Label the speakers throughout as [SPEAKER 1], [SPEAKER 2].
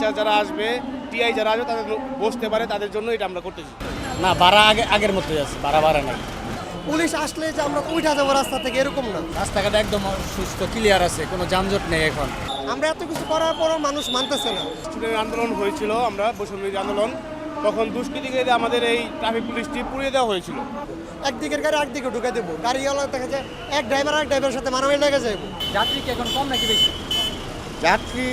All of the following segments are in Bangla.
[SPEAKER 1] ইনচার্জ যারা আসবে, টিআই যারা আসবে তাদের বসতে পারে, তাদের জন্য এটা আমরা করতেছি।
[SPEAKER 2] না, ভাড়া আগের মতোই আছে, ভাড়া নাই।
[SPEAKER 3] পুলিশ আসলে যে আমরা উঠা যাবো রাস্তা থেকে এরকম না।
[SPEAKER 2] রাস্তাঘাট একদম সুস্থ ক্লিয়ার আছে, কোনো যানজট নেই এখন।
[SPEAKER 3] আমরা এত কিছু করার পরও মানুষ মানতেছে না।
[SPEAKER 1] স্টুডেন্ট আন্দোলন হয়েছিল, আমরা বৈষম্যবিরোধী আন্দোলন, তখন দুষ্কৃতীকে আমাদের এই ট্রাফিক পুলিশটি পুড়িয়ে দেওয়া হয়েছিল।
[SPEAKER 3] একদিকের গাড়ি একদিকে ঢুকে দেবো, গাড়িওয়ালা দেখা যায় এক ড্রাইভারের সাথে মারামারি লেগে যাবে।
[SPEAKER 2] যাত্রী কি এখন কম নাকি বেশি?
[SPEAKER 4] যাত্রী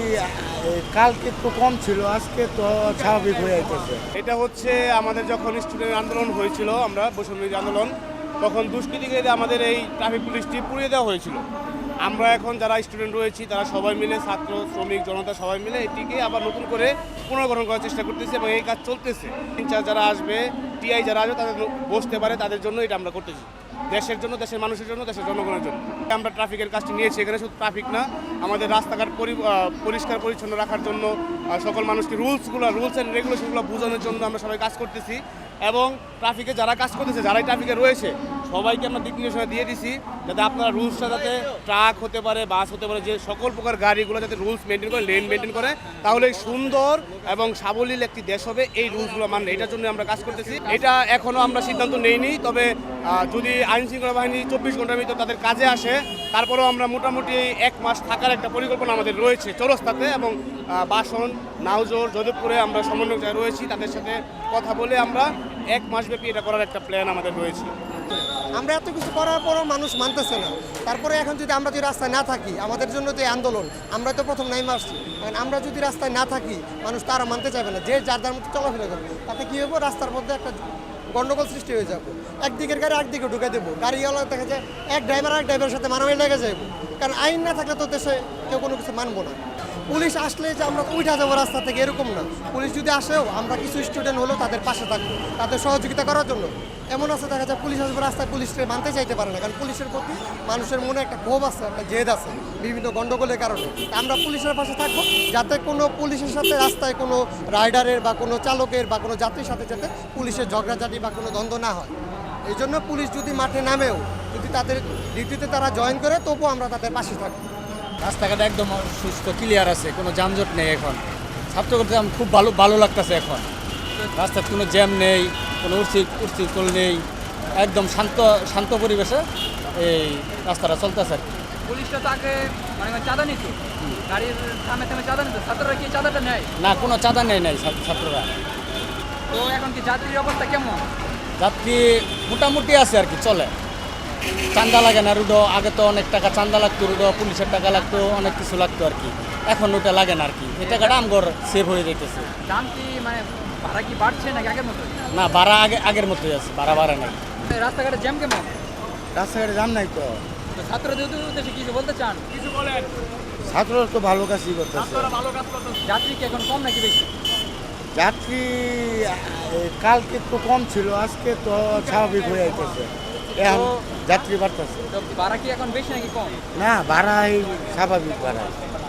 [SPEAKER 4] কালকে তো কম ছিল, আজকে তো স্বাভাবিক হয়ে যাইতেছে।
[SPEAKER 1] এটা হচ্ছে আমাদের যখন স্টুডেন্ট আন্দোলন হয়েছিল, আমরা বৈষম্যবিরোধী আন্দোলন, তখন দুষ্কৃতীকে আমাদের এই ট্রাফিক পুলিশটি পুড়িয়ে দেওয়া হয়েছিল। আমরা এখন যারা স্টুডেন্ট রয়েছি তারা সবাই মিলে, ছাত্র শ্রমিক জনতা সবাই মিলে এটিকে আবার নতুন করে পুনর্গঠন করার চেষ্টা করতেছি এবং এই কাজ চলতেছে। ইনচার্জ যারা আসবে, টিআই যারা আসবে তাদের বসতে পারে, তাদের জন্য এটা আমরা করতেছি। দেশের জন্য, দেশের মানুষের জন্য, দেশের জনগণের জন্য আমরা ট্রাফিকের কাজটি নিয়েছি। এখানে শুধু ট্রাফিক না, আমাদের রাস্তাঘাট পরিষ্কার পরিচ্ছন্ন রাখার জন্য, সকল মানুষকে রুলস অ্যান্ড রেগুলেশনগুলো বোঝানোর জন্য আমরা সবাই কাজ করতেছি। এবং ট্রাফিকে যারা কাজ করতেছে, যারাই ট্রাফিকে রয়েছে, সবাইকে আমরা দিক নির্দেশনা দিয়ে দিছি যাতে আপনারা রুলসটা, যাতে ট্রাক হতে পারে, বাস হতে পারে, যে সকল প্রকার গাড়িগুলো যাতে রুলস মেনটেন করে, লেন মেনটেন করে, তাহলে সুন্দর এবং সাবলীল একটি দেশ হবে। এই রুলসগুলো মানে এটার জন্য আমরা কাজ করতেছি। এটা এখনও আমরা সিদ্ধান্ত নেইনি, তবে যদি আইন শৃঙ্খলা বাহিনী 24 ঘন্টার ভিতর তাদের কাজে আসে, তারপরেও আমরা মোটামুটি 1 মাস থাকার একটা পরিকল্পনা আমাদের রয়েছে চৌরাস্তাতে, এবং বাসন, নাউজোর, যোধপুরে আমরা সমন্বয় রয়েছি, তাদের সাথে কথা বলে আমরা 1 মাস ব্যাপী এটা করার একটা প্ল্যান আমাদের রয়েছে।
[SPEAKER 3] আমরা এত কিছু করার পরও মানুষ মানতেছে না। তারপরে এখন যদি আমরা যদি রাস্তায় না থাকি, আমাদের জন্য তো এই আন্দোলন, আমরা তো প্রথম নাইমে আসছি, কারণ আমরা যদি রাস্তায় না থাকি মানুষ তারা মানতে চাইবে না। যে যার যার মতো চলাফেরা করবে, তাতে কী হবো, রাস্তার মধ্যে একটা গন্ডগোল সৃষ্টি হয়ে যাবে। একদিকের গাড়ি একদিকে ঢুকে দেবো, গাড়িওয়ালা দেখা যায় এক ড্রাইভারের সাথে মারামারি লেগে যাবে। কারণ আইন না থাকলে তো দেশে কেউ কোনো কিছু মানবো না। পুলিশ আসলে যে আমরা উঠা যাবো রাস্তা থেকে এরকম না। পুলিশ যদি আসেও আমরা কিছু স্টুডেন্ট হলেও তাদের পাশে থাকবো, তাদের সহযোগিতা করার জন্য। এমন আছে দেখা যায় পুলিশ আসবে রাস্তায়, পুলিশকে মানতে চাইতে পারে না, কারণ পুলিশের প্রতি মানুষের মনে একটা ক্ষোভ আছে, একটা জেদ আছে বিভিন্ন গণ্ডগোলের কারণে। আমরা পুলিশের পাশে থাকবো যাতে কোনো পুলিশের সাথে রাস্তায় কোনো রাইডারের বা কোনো চালকের বা কোনো যাত্রীর সাথে যাতে পুলিশের ঝগড়াঝাটি বা কোনো দ্বন্দ্ব না হয়। এই জন্য পুলিশ যদি মাঠে নামেও যদি তাদের ডিউটিতে তারা জয়েন করে, তবুও আমরা তাদের পাশে থাকবো।
[SPEAKER 2] রাস্তাঘাট একদম সুস্থ ক্লিয়ার আছে, কোনো যানজট নেই এখন। ছাত্র করতে আমার খুব ভালো লাগতেছে এখন। রাস্তায় কোনো জ্যাম নেই, কোনো উচ্ছৃঙ্খল নেই, একদম শান্ত পরিবেশে এই রাস্তাটা চলতেছে আর কি।
[SPEAKER 5] পুলিশটা তো আগে মানে চাঁদা নিত, গাড়ির থামে চাঁদা নিত, ছাত্ররা কি চাঁদাটা নেয়?
[SPEAKER 2] না, কোনো চাঁদা নেই ছাত্ররা।
[SPEAKER 5] তো এখন কি যাত্রীর অবস্থা কেমন?
[SPEAKER 2] যাত্রী মোটামুটি আছে আর কি, চলে। চাঁদা লাগে না রুডো, আগে তো অনেক টাকা চাঁদা লাগতো, রুডো পুলিশের টাকা লাগতো, অনেক কিছু লাগতো আর কি। এখন ওটা লাগে না আর কি, এই টাকাটা আমগর সেভ হয়ে যাইতেছে।
[SPEAKER 5] দাম কি মানে ভাড়া কি বাড়ছে নাকি আগের মতো?
[SPEAKER 2] না, ভাড়া আগের মতোই আছে, ভাড়া নাই।
[SPEAKER 5] রাস্তাঘাটে জ্যাম কেমন?
[SPEAKER 4] রাস্তাঘাটে জাম নাই তো।
[SPEAKER 5] ছাত্রদের উদ্দেশ্যে কিছু বলতে চান?
[SPEAKER 1] কিছু বলেন।
[SPEAKER 4] ছাত্ররা তো ভালো কাজই করতেছে।
[SPEAKER 5] যাত্রী কি এখন কম নাকি বেশি?
[SPEAKER 4] যাত্রী কালকে তো কম ছিল, আজকে তো স্বাভাবিক হয়ে যাইতেছে। এখন যাত্রী বাড়তেছে।
[SPEAKER 5] তো ভাড়া কি এখন বেশি নাকি কম?
[SPEAKER 4] না, ভাড়া স্বাভাবিক ভাড়া।